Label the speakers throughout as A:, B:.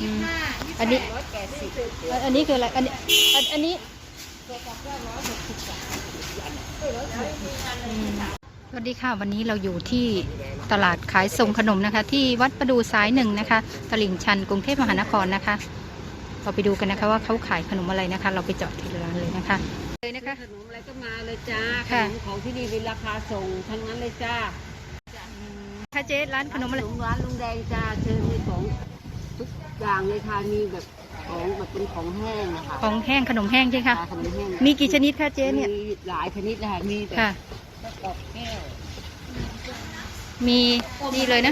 A: อันนี้อันนี้คืออะไรอันนี้อันนี้สวัสดีค่ะวันนี้เราอยู่ที่ตลาดขายส่งขนมนะคะที่วัดประดูสายหนึ่งนะคะตลิ่งชันกรุงเทพมหานครนะคะเราไปดูกันนะคะว่าเขาขายขนมอะไรนะคะเราไปเจาะที่ร้านเลยนะคะเลยนะคะ
B: ขนมอะไรก็มาเลยจ้าข
A: ค่ะ
B: นมของที่นี่เป็นราคาส่งทั้งนั้นเลยจ้า
A: ค่ะเจ๊ร้านขนมอะไร
B: ร้านลุงแดงจ้าเชิญมีของทุกอย่างเลยค่ะมีแบบของแบบเป็นของแห้งนะคะ
A: ของแห้งขนมแห้งใช่ไหมคะ
B: ขนมแห้ง
A: มีกี่ชนิดคะเจ๊เนี่ย
B: มีหลายชนิดนะคะมีแบบ
A: ค่ะ
B: กรอบแก้ว
A: มีนี่เลยนะ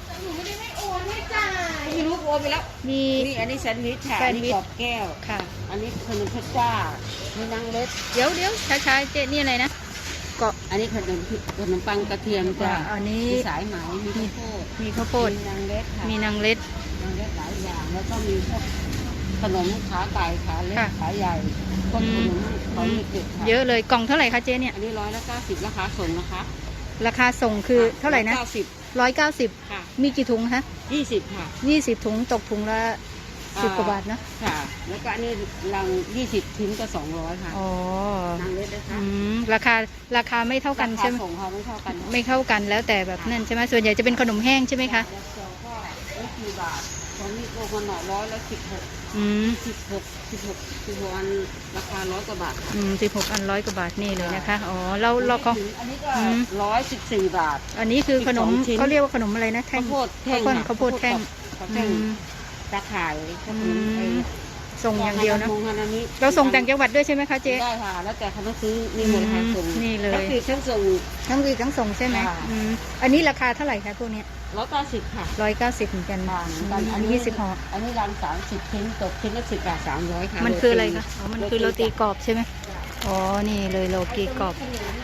B: ไม่รู้โอนไปแล้ว
A: มี
B: นี่อันนี้แซนด์วิชค่ะ
A: แซ
B: อั
A: น
B: น
A: ด์วิ
B: นี้
A: ช
B: กรอบแก้ว
A: ค่ะ
B: อันนี้ขนมพัชจ้ามีนางเล็ด
A: เดี๋ยวช้าๆเจ๊นี่อะไรนะเกาะ
B: อันนี้ขนมปังกระเทียมจ้า
A: อันนี้
B: มีสายไหมมีข้าวโพด
A: มีข้าวโพด
B: มีนางเล็ดค่ะ
A: มีนางเล็ด
B: นางเล็ดหลายอย่างแล้วก็มีพวกขนมขาไก่ขาเล็ก
A: ค่ะ
B: ขาใหญ่พวกขนมของเด็กๆค่ะ
A: เยอะเลยกล่องเท่าไหร่คะเจ๊เนี่ย
B: อันนี้190ราคาส่งนะคะ
A: ราคาส่งคือเท่าไหร่นะ
B: 190
A: 190
B: ค่ะ
A: มีกี่ถุงคะ
B: 20ค่ะ
A: 20ถุงตกถุงละ10กว่าบาทนะ
B: ค่ะ แล้วก็อันนี้ลัง20ชิ้นก็200ค่ะ
A: อ๋อน
B: างเล็ดนะคะ
A: ราคาไม่เท่ากันใช่ไหม
B: ราคาส่งค่ะไม่เท่ากัน
A: ไม่เท่ากันแล้วแต่แบบนั่นใช่ไหมส่วนใหญ่จะเป็นขนมแห้งใช่ไหมคะ
B: แล้วก็ไม่กี่บาทตอนนี้โลกันหน่อย116
A: อืม
B: 16อันราคา100กว่าบาท
A: 16 อัน100 กว่าบาทนี่เลยนะคะอ๋อเราเขา
B: อันนี้ก็114บาท
A: อันนี้คือขนม
B: 12ชิ้น
A: เขาเรียกว่าขนมอะไรนะแท่ง
B: ข้าวโพดแท่ง
A: ข้าวโพดแท่ง
B: ข้าวแท่ง
A: อืม
B: ตะข่ายข้าว
A: อื
B: โพด
A: มส่งอย่างเดียวนะ
B: ฮานามิ
A: เราส่งต่างจังหวัดด้วยใช่ไหมคะเจ๊
B: ได้ค่ะ แล้วแต่เขาต้องซื้อมีหมดค่ะส่ง
A: นี่เลย
B: แล้วคือเครื่องส่ง
A: ทั้งรีดทั้งส่งใช่ไหม
B: ค่ะ
A: อันนี้ราคาเท่าไหร่คะพวกเนี้ย
B: 190ค่ะ
A: 190เหมือนกัน
B: บาทเหมือนกันอันนี้
A: 20ห่อ
B: อันนี้รัง30ชิ้นตกชิ้นละ10 บาท300ค่ะ
A: มันคืออะไรคะอ๋อมันคือโรตีกรอบใช่ไหมอ๋อนี่เลยโรตีกรอบ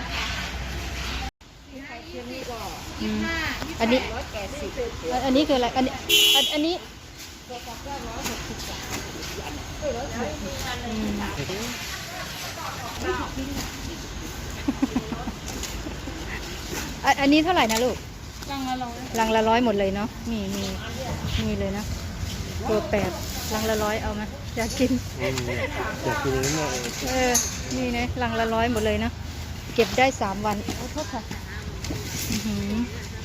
A: อืมอันนี้อันนี้คืออะไรอันนี้อืมอันนี้เท่าไหร่นะลูกลังละ100หมดเลยเนาะมีเลยนะตัว8ลังละ100เอาไหมอยากกิน
C: อยากกินอย่างนี้มากเลย
A: นี่นะลังละ100หมดเลยเนาะเก็บได้3 วันโอ้โทษค่ะอื้อหือ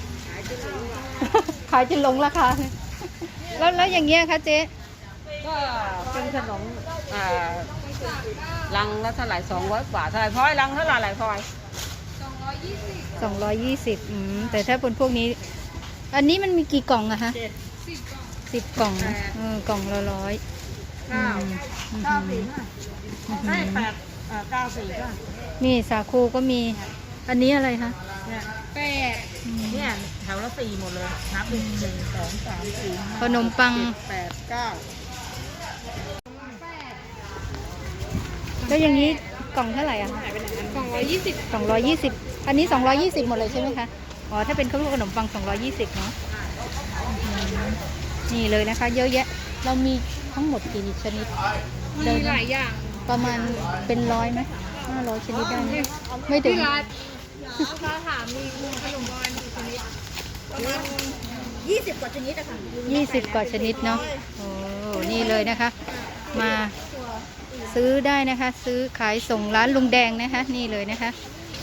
A: ขายจนหลงราคาเลยแล้วอย่างเงี้ยคะเจ๊
B: ก็เป็นขนมรังละเท่าไหร่200 กว่าเท่าไหร่พลอยรังเท่าไหร่พลอย
A: 220แต่ถ้าเป็นพวกนี้ อันนี้มันมีกี่กล่องอะคะ10 กล่องนะกล่องละ100
B: 9 4ก็
A: นี่สาคูก็มี อันนี้อะไรคะ
B: เนี่ยเนี่ยแถวละ4หมดเลยนับ1 2 3 4
A: ขนมปัง
B: 5 8 9
A: แล้วอย่างนี้กล่องเท่าไหร่อะคะ 220อันนี้220หมดเลยใช่ไหมคะอ๋อถ้าเป็นข้าวโพดขนมปัง220เนาะนี่เลยนะคะ เยอะแยะเรามีทั้งหมดกี่ชนิดมีหลายอย่างประมาณเป็น100ไหม500ชนิดได้ไหมไม่ถึง
D: ถ้าถามมีขนมปังกี่ชนิดประมาณ20 กว่าชนิดอะค่ะ
A: 20 กว่าชนิดเนาะโอ้นี่เลยนะคะ มาซื้อได้นะคะ ซื้อขายส่งร้านลุงแดงนะคะ นี่เลยนะคะ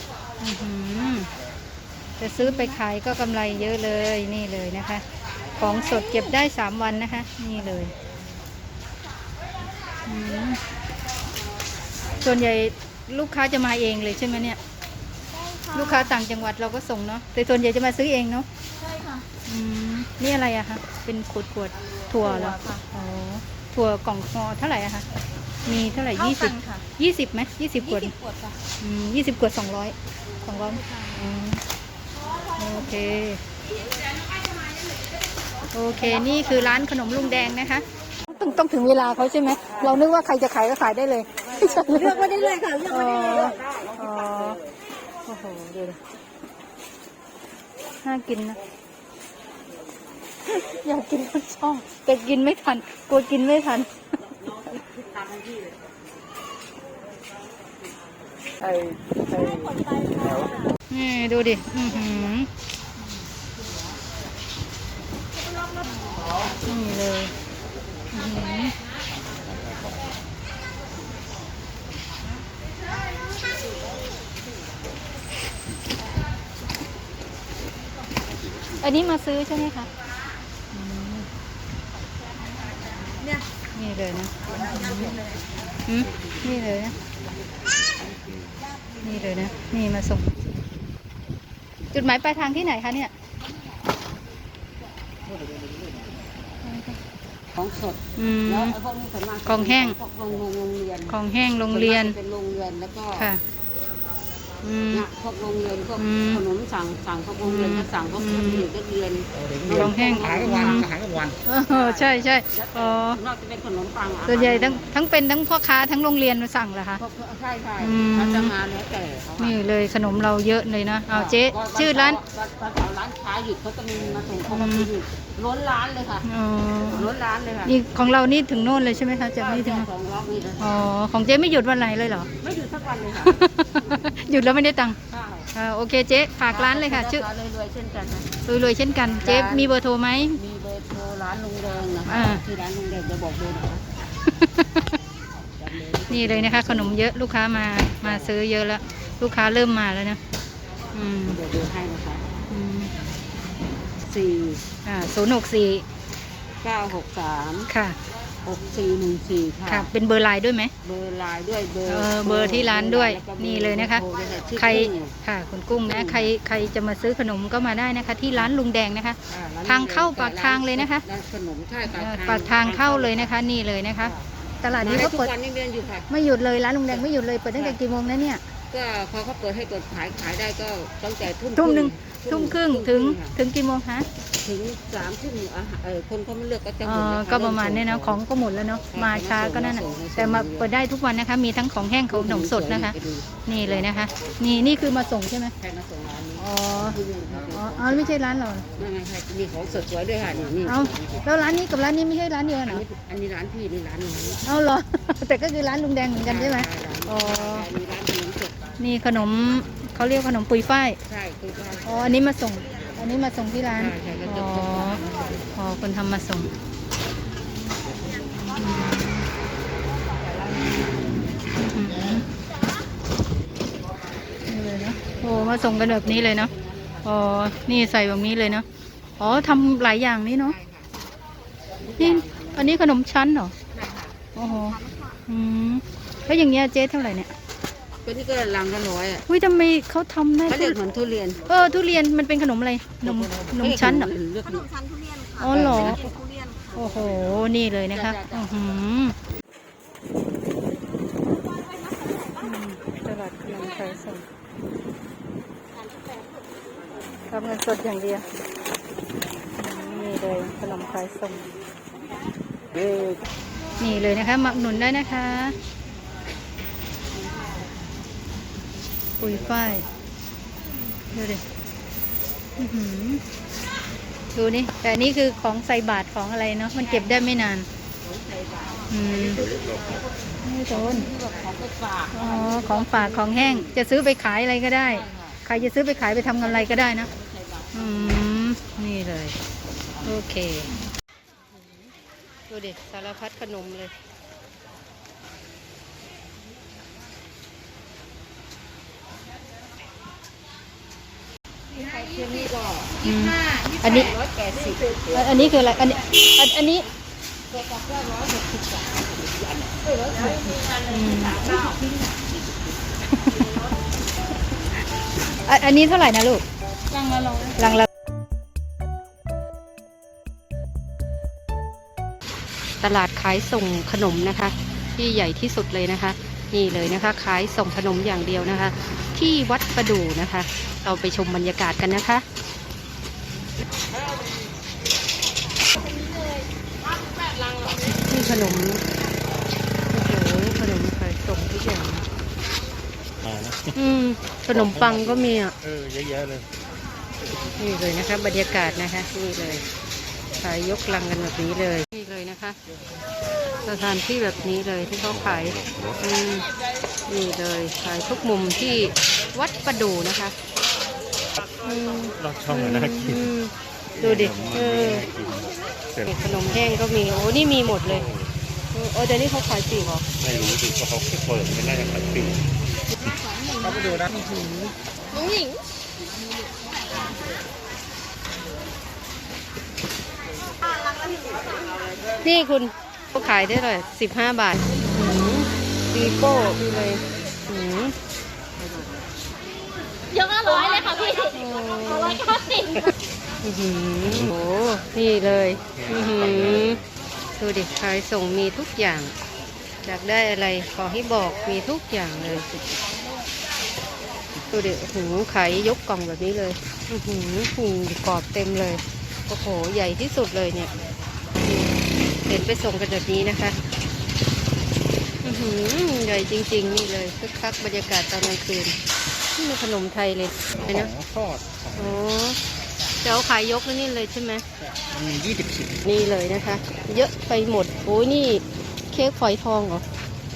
A: จะซื้อไปขายก็กำไรเยอะเลยนี่เลยนะคะ ของสดเก็บได้3 วันนะคะ นี่เลยส่วนใหญ่ลูกค้าจะมาเองเลยใช่ไหมเนี่ยลูกค้าต่างจังหวัดเราก็ส่งเนาะแต่ส่วนใหญ่จะมาซื้อเองเนาะ
D: ใช่ค่ะ
A: นี่อะไรอะคะเป็นขวดถั่วเหรออ๋อถั่วกล่องคอเท่าไหร่อะคะมีเท่าไหร่20ไหม20 ขวด
D: ขวดค่ะ
A: 20 ขวด200โอเคนี่คือร้านขนมลุงแดงนะคะต้องถึงเวลาเขาใช่ไหมเรานึกว่าใครจะขายก็ขายได้เลย
D: เลือกมาได้เลยค่ะเลือกมาได้เลย
A: โอ้โหดูดิน่ากินนะอยากกินทั้งช่องแต่กินไม่ทันกลัวกินไม่ทันนี่ดูดินี่เลยอื้อหืออันนี้มาซื้อใช่ไหมคะอืม
D: เนี่ย
A: นี่เลยนะอืมนี่เลยนะ นี่เลยนะ นี่มาส่ง จุดหมายปลายทางที่ไหนคะเนี่ย
B: ของสด
A: อืม
B: แล้วไอ้พวกนี้ส่วนมาก
A: ของแห้ง
B: พวกโรงเรียน
A: ของแห้งโรงเรียน
B: เป็นโรงเรียนแล้วก็
A: ค่ะ อืม
B: เนี่ยพวกโรงเรียนพวก
A: อืม
B: ขนมสั่งพวกโรงเรียนก็สั่งพวก
A: อืม
B: เด็กนักเรียน
A: ของแห้ง
C: อาหารกลางวันอาหารกลางวัน
A: ใช่ใช่อ๋อ
B: ส่วนมากจะเป็นขนมปัง
A: ส่วนใหญ่ทั้งเป็นทั้งพ่อค้าทั้งโรงเรียนมาสั่งเหรอคะ
B: พวกใช่ใช่
A: อืม
B: เขาจะมาแล้วแต่เขาอะ
A: นี่เลยขนมเราเยอะเลยนะ เอาเจ๊ชื่อร้าน
B: วันเสาร์ร้านค้าหยุดเขาจะมีมาส่งเขามาหยุดล้นร้านเลยค่ะ
A: อ๋อ
B: ล้นร้านเลยค่ะ
A: นี่ของเรานี่ถึงโน่นเลยใช่ไหมคะจากนี่ถึง
B: สองล็อกนี่เลย
A: อ๋อ ของเจ๊ไม่หยุดวันไหนเลยเหรอ
B: ไม่หยุดสักวันเลยค่ะ
A: หยุดแล้วไม่ได้ตังค์
B: ค่ะ
A: โอเคเจ๊ฝากร้านเลยค่ะ ชื่อ
B: ร้านรวยๆเช่นกันนะ
A: รวยๆเช่นกัน เจ๊มีเบอร์โทรไหม
B: มีเบอร์โทรร้านลุงแดงนะคะ
A: อ่า
B: ที่ร้านลุงแดงจะบอกเบอร์นะคะจำเลย
A: นี่เลยนะคะ ขนมเยอะลูกค้ามาซื้อเยอะแล้ว ลูกค้าเริ่มมาแล้วนะ อืม
B: เดี๋ยวดูให้นะคะ
A: อืม
B: 4
A: 064
B: 963
A: ค่ะ
B: 6414 ค่ะ
A: ค่ะ เป็นเบอร์ไลน์ด้วยไหม
B: เบอร์ไลน์ด้วยเบอร์
A: เบอร์ที่ร้านด้วย
B: แวก็บอร์
A: นี่เลยนะคะ
B: โทด้วยชื่อ
A: ใคร
B: กุ้ง
A: ค่ะคุณกุ้งนะ ใครจะมาซื้อขนมก็มาได้นะคะ ที่ร้านลุงแดงนะคะ
B: อ่ร้น
A: ทางเข้าปากทางเลยนะคะ
B: ร้านขนมใช่
A: ปากทางเข้าเลยนะคะ นี่เลยนะคะ ตลาดนี้
B: นี้
A: เขา
B: ทุก
A: เปิด
B: วันนี้เรียนอยู่ค่ะ
A: ไม่หยุดเลยร้านลุงแดงไม่หยุดเลยเปิดตั้งแต่กี่โมงนะเนี่ย
B: ก็พอเขาเปิดให้กดขายได้ก็ตั้งแต่ทุ่ม
A: ทุ่มหนึ่งทุ่มครึ่งถึง
B: ค่ะ
A: ถึงกี่โมงคะ
B: ถึง3 ทุ่มคนเขาไม่เลือกก็จะห
A: อ๋
B: ม
A: อ
B: ดแล้วค่
A: ก็ประมาณเนี้ยนะของก็หมดแล้วเนาะมาช้าก็นั่นน่ะแต่มาเปิดได้ทุกวันนะคะ มีทั้งของแห้งของขนมสดนะคะ
B: ไปดู
A: นี่เลยนะคะ นี่คือมาส่งใช่ไหม
B: ใครมาส่งร้านนี้
A: อ๋อ
B: ที่นี่ค่ะ
A: อ๋อไม่ใช่ร้านเราเหรอ
B: ไม่ใช่มีของสดสวยด้วยค่ะนี่
A: เอาแล้วร้านนี้กับร้านนี้ไม่ใช่ร้านเดียวกันเหรอ
B: อันนี้ร้านพี่นี่ร้านน้อง
A: เอาเหรอ แต่ก็คือร้านลุงแดงเหมือนกันใช่ไหมอ๋อ
B: มีร้านขนมสด
A: นี่ขนมเขาเรียกขนมปุยฝ้าย
B: ใช่คือว่า
A: อ๋ออันนี้มาส่งที่ร้าน
B: ใช่ก็
A: อ๋
B: จะ
A: อ
B: ส่งร้าน
A: อ๋อคนทำมาส่งอืมนี่เลยเนาะโอ้มาส่งกันแบบนี้เลยเนาะอ๋อนี่ใส่แบบนี้เลยเนาะอ๋อทำหลายอย่างนี่เนาะนี่อันนี้ขนมชั้นเหรอโอ้โหอืมแล้วอย่างเงี้ยเจ๊เท่าไหร่เนี่ย
B: ก็นี่ก็ลังละ100อ่ะ
A: อุ้ยทำไมเขาทำได้
B: เขาเรียกเหมือนทุเรียน
A: ทุเรียนมันเป็นขนมอะไรขนมชั้นเหรอ
B: เลือก
D: ขนมชั้นทุเรียนค่ะ
A: อ๋อเหรอ
D: เป็นทุเรียนค่ะ
A: โอ้โห นี่เลยนะคะอือหือตลาดขนมขายส่งรับเงินสดอย่างเดียวนี่เลยขนมขายส่งนี่เลยนะคะมาอุดหนุนได้นะคะปุยฝ้ายดูดิอื้อหือดูนี่แต่อันนี้คือของใส่บาตรของอะไรเนาะมันเก็บได้ไม่นานไม่โดน
B: ของไปฝาก
A: อ๋อของฝากของแห้งจะซื้อไปขายอะไรก็ได้ ใครจะซื้อไปขายไปทำกำไรก็ได้นะนี่เลย โอเคดูดิสารพัดขนมเลย
B: เที่ยงนี้ก็
A: อันนี้
B: 180
A: อันนี้คืออะไรอันนี้อันนี้เท่าไหร่นะลูก
B: ลังละร้อย
A: ลังละตลาดขายส่งขนมนะคะ ที่ใหญ่ที่สุดเลยนะคะ นี่เลยนะคะ ขายส่งขนมอย่างเดียวนะคะ ที่วัดประดู่นะคะ เราไปชมบรรยากาศกันนะคะนี่ขนมโอ้โหขนมขายส่งทุกอย่าง
C: มานะ
A: ขนมปังก็มีอ่ะ
C: เยอะๆเลย
A: นี่เลยนะคะบรรยากาศนะคะนี่เลยขายยกลังกันแบบนี้เลยนี่เลยนะคะสถานที่แบบนี้เลยที่เขาขายนี่เลยขายทุกมุมที่วัดประดู่นะคะ
C: รอดช่องน่ากิน
A: ดูดิ
C: เสร็จ
B: ขนมแห้งก็มีโอ้นี่มีหมดเลยแต่นี่เขาขายปีกเหรอ
C: ไม่รู้สิเพราะเขาเปิดไม่น่าจะขายปีเขาไปดูนะ
D: น้องหญิง
B: นี่คุณเขาขายได้เลย15 บาทปีโป้ดูเลย
D: ยกละร้อยเลยค่ะพี่190
B: โอ้โหนี่เลยดูดิขายส่งมีทุกอย่างอยากได้อะไรขอให้บอกมีทุกอย่างเลยดูดิขายยกกล่องแบบนี้เลยกรอบเต็มเลยโอ้โหใหญ่ที่สุดเลยเนี่ยเห็นไปส่งกันแบบนี้นะคะใหญ่จริงๆนี่เลยคึกคักบรรยากาศตอนกลางคืนนี่มีขนมไทยเลยนะ
C: ทอด
B: โอ้จะเอาขายยกนี่เลยใช่ไหม
C: มันมี20 ชิ้น
B: นี่เลยนะคะ เยอะไปหมดโอ้ยนี่เค้กฝอยทองเหรอ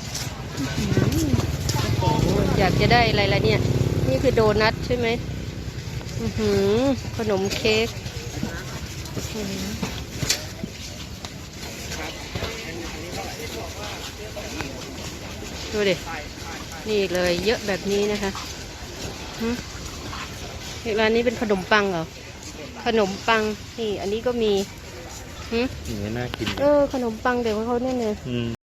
B: โอ้โหอยากจะได้อะไรละเนี่ยนี่คือโดนัทใช่ไหมขนมเค้กดูดินี่เลยเยอะแบบนี้นะคะร้านนี้เป็นขนมปังเหรอขนมปังนี่อันนี้ก็มี
C: อย่างนี้น่ากิน
B: ขนมปังเดี๋ยวเขาเนี่ย